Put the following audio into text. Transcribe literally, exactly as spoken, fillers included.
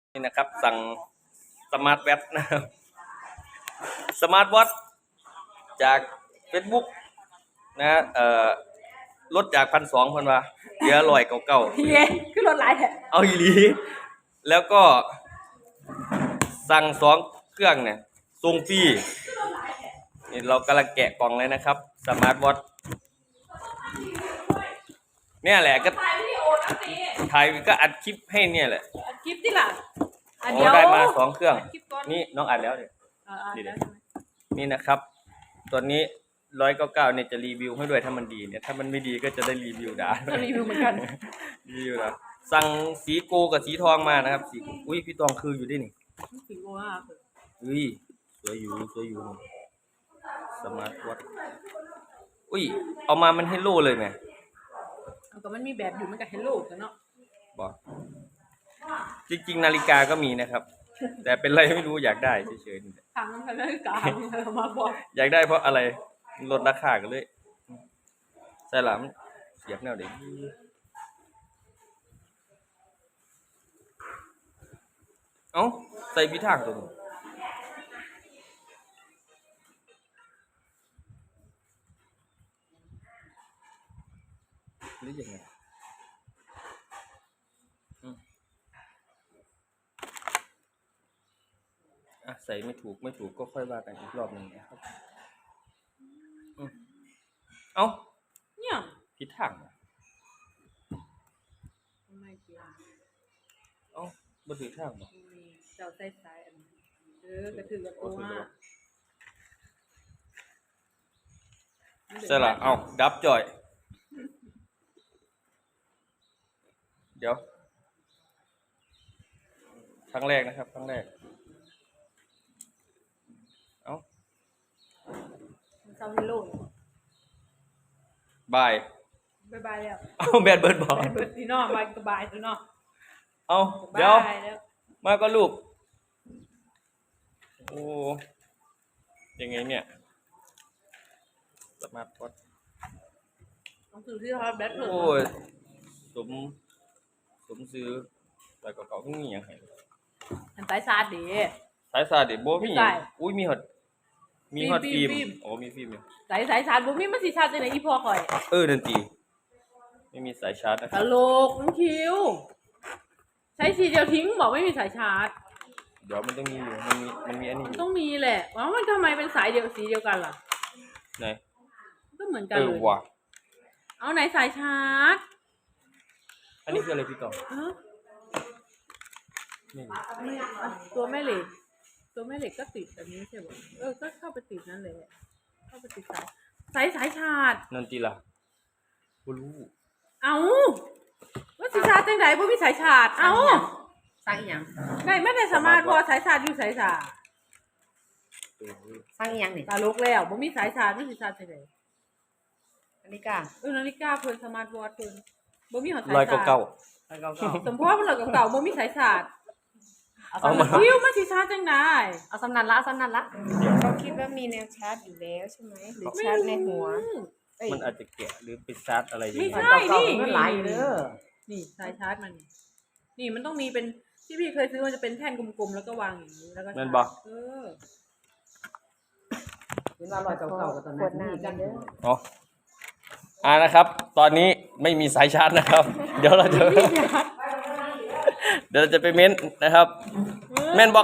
นี่นะครับสั่งสมาร์ทแวทนะครับสมาร์ทวอทจาก Facebook นะเอ่อลดจากพันสองพันว่าเหลือร้อยเก่าเก่าเย้คือรถหลายแท้เอาอีหลีแล้วก็สั่งสองเครื่องเนี่ยส่งฟรีนี่เรากำลังแกะกล่องเลยนะครับสมาร์ทวอทเนี่ยแหละก็ถ่ายวิดีโอนะสิถ่ายก็อัดคลิปให้เนี่ยแหละอัดคลิปที่หลังอัดโอ้เดียวได้มาสองเครื่องดคลิปก่อนนี่น้องอัดแล้วเนี่ยอ่าอ่าดีเดี๋เลยวยนี่นะครับตัวนี้ร้อยเก้าเก้าเนี่ยจะรีวิวให้ด้วยถ้ามันดีเนี่ยถ้ามันไม่ดีก็จะได้รีวิวด่าจะรีวิวเหมือนกันรีวิวนะสั่งสีโกกับสีทองมานะครับสีอุ้ยพี่ตองคืออยู่ด้วยนี่สิงโตอ่ะอุ้ยสวยอยู่สวยอยู่สมาร์ทวอทอุ้ยเอามามันเฮลโลเลยไหมเอาก็มันมีแบบอยู่มันกับเฮลโลกันเนาะบอกจริงๆนาฬิกาก็มีนะครับ แต่เป็นไรไม่รู้อยากได้เฉยๆทางนั้นนาฬิกาเอามาบอกอยากได้เพราะอะไรลดราคากันเลยใช่หรอมันเสียบแนวเด็กเอ้าใส่พิทางตัวนึงหรือยังไงอ่ะใส่ไม่ถูกไม่ถูกก็ค่อยว่ากันอีกรอบหนึ่งนะครับเอ้าเนี่ยพิทางอ่ะไม่เกี่ยวเอ้าบ่ถือทางบ่มีเจ้าใส่สายอันนี้เออกระถือกับตัวใช่ละเอ้าดับจ่อยเดี๋ยวครั้งแรกนะครับครั้งแรกเอ้าเจ้าเฮลโลบายบายบายแล้วเอ้าแบดเบิร์ดบอกบายเบิดดีเนาะบายก็บายตัวเนาะเอ้าเดี๋ยวบายแล้วมาก็ลูกโอ้ยังไงเนี่ยสมาร์ทวอทต้องซื้อที่เขาแบทเทิลโอ้ยสมสมซื้อแต่ก็เก่าๆเพิ่งมีอย่างไรอันสายชาร์จดีสายซาดิโบมีใช่อุ้ยมีฮอตมีฮอตฟิฟิล์มล์มฟิล์มโอ้มีฟิล์มอยู่สายสายชาร์จบ่มีมันสิชาร์จจังได๋อีพ่อข่อยเออดนตรีไม่มีสายชาร์จนะคตรับลกมันคิวใช้สีเดียวทิ้งบอกไม่มีสายชาร์จเดี๋ยวมันต้องมีอยู่มันมีมันมีอันนี้อมันยู่ต้องมีแหละว่ามันทำไมเป็นสายเดียวสีเดียวกันล่ะไหนก็เหมือนกันเอเลอย ว่ะเอาไหนสายชาร์จอันนี้คืออะไรพี่ต่อเอ้านี่ไม่อ่ะตัวแม่เหล็ก ตัวแม่เหล็กก็ติดแบบนี้ใช่ป่ะเออก็เข้าไปติดนั่นเลยเข้าไปติดสายสายสายชาร์จนันตีล่ะบ่รู้เอาว่าสิชาร์จจังไดบ่มีสายชาร์จเอาสร้างอีหยังได้ไม่ได้สามารถพอสายชาร์จอยู่สายชาร์จเออสร้างอีหยังนี่ตาลกแล้วบ่มีสายชาร์จมีสิชาร์จจังไดนาฬิกาเออนาฬิกาเพิ่นสมาร์ทวอทเพิ่นบ่มีหอดสายร้อยชาร์จเก้าไปเก่าสมพอมันเหลือเก่าๆบ่มีสายชาร์จๆเอาเอาสำมานันคิวมันสิชาร์จจังได๋เอาสำนันละเอาสำนันละเขาคิดว่ามีแนวชาร์จอยู่แล้วใช่ไหมหรือชาร์จในหัวเอ้ยมันอาจจะแกะหรือไปชาร์จอะไรอย่างไม่เงี้ยใช่เก่านี่ๆมันหลายอยู่เด้อนี่สายชาร์จมันนี่มันต้องมีเป็นที่พี่เคยซื้อมันจะเป็นแท่นกลมๆแล้วก็วางอย่างนี้แล้วก็ชาร์จแม่นบ่เออเห็นว่าลอยเก่าๆกับตอนนั้นนี่กันเด้ออ๋ออ่านะครับ ตอนนี้ไม่มีสายชาร์จนะครับ เดี๋ยวเราจะ เดี๋ยวเราจะไปเม้นนะครับ แม่นบอก